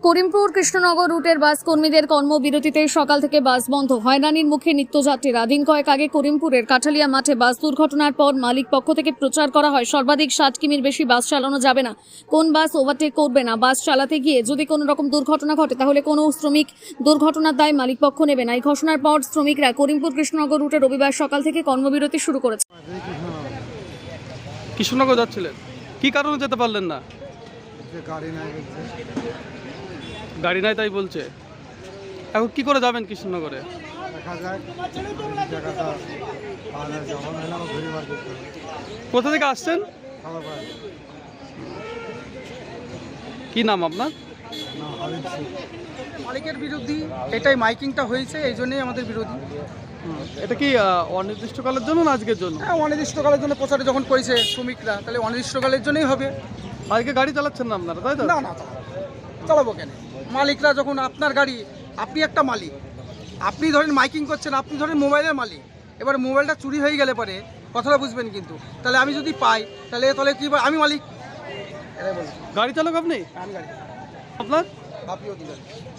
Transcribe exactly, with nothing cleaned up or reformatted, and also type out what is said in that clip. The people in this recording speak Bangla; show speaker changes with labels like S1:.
S1: করিমপুর কৃষ্ণনগর রুটের বাস কর্মীদের কর্মবিরতিতে সকাল থেকে বাস বন্ধ। হয়রানির মুখে নিত্যযাত্রীরা। দিন কয়েক আগে করিমপুরের কাঠালিয়া মাঠে বাস দুর্ঘটনার পর মালিক পক্ষ থেকে প্রচার করা হয় সর্বাধিক ষাট কিমির বেশি বাস চালানো যাবে না, কোন বাস ওভারটেক করবে না। বাস চালাতে গিয়ে যদি কোনো রকম দুর্ঘটনা ঘটে তাহলে কোনো শ্রমিক দুর্ঘটনার দায় মালিক পক্ষ নেবে না। এই ঘোষণার পর শ্রমিকরা করিমপুর কৃষ্ণনগর রুটে রবিবার সকাল থেকে কর্মবিরতি শুরু করেছে।
S2: কৃষ্ণনগর যাচ্ছিলেন, কি কারণে যেতে পারলেন না?
S3: গাড়ি নাই বলছে।
S2: গাড়ি নাই তাই বলছে। এখন কি করে যাবেন কৃষ্ণনগরে?
S3: দেখা যাক জায়গাটা পাওয়া যায়, যখন হলে আমার ঘুরে বার করতে হবে।
S2: কোথা থেকে আসছেন?
S3: খাবার পায়
S2: কি নাম আপনার?
S3: না হাবিব সিং।
S4: মালিকের বিরোধী এটাই মাইকিংটা হয়েছে, এই জন্যই আমাদের বিরোধী।
S2: এটা কি আহ, অনির্দিষ্টকালের জন্য না আজকের জন্য?
S4: হ্যাঁ, অনির্দিষ্টকালের জন্য প্রচারে যখন করেছে শ্রমিকরা, তাহলে অনির্দিষ্টকালের জন্যই হবে।
S2: আজকে গাড়ি চালাচ্ছেন না আপনারা, তাই তো?
S4: না না চালাবো কেন? মালিকরা যখন আপনার গাড়ি, আপনি একটা মালিক, আপনি ধরেন মাইকিং করছেন, আপনি ধরেন মোবাইলের মালিক, এবার মোবাইলটা চুরি হয়ে গেলে পরে কথাটা বুঝবেন কিন্তু, তাহলে আমি যদি পাই তাহলে তাহলে কি আমি মালিক? এটাই বলছি।
S2: গাড়ি চালক আপনি?
S4: আমি গাড়ি
S2: আপনার?
S4: বাপি অধিকারী।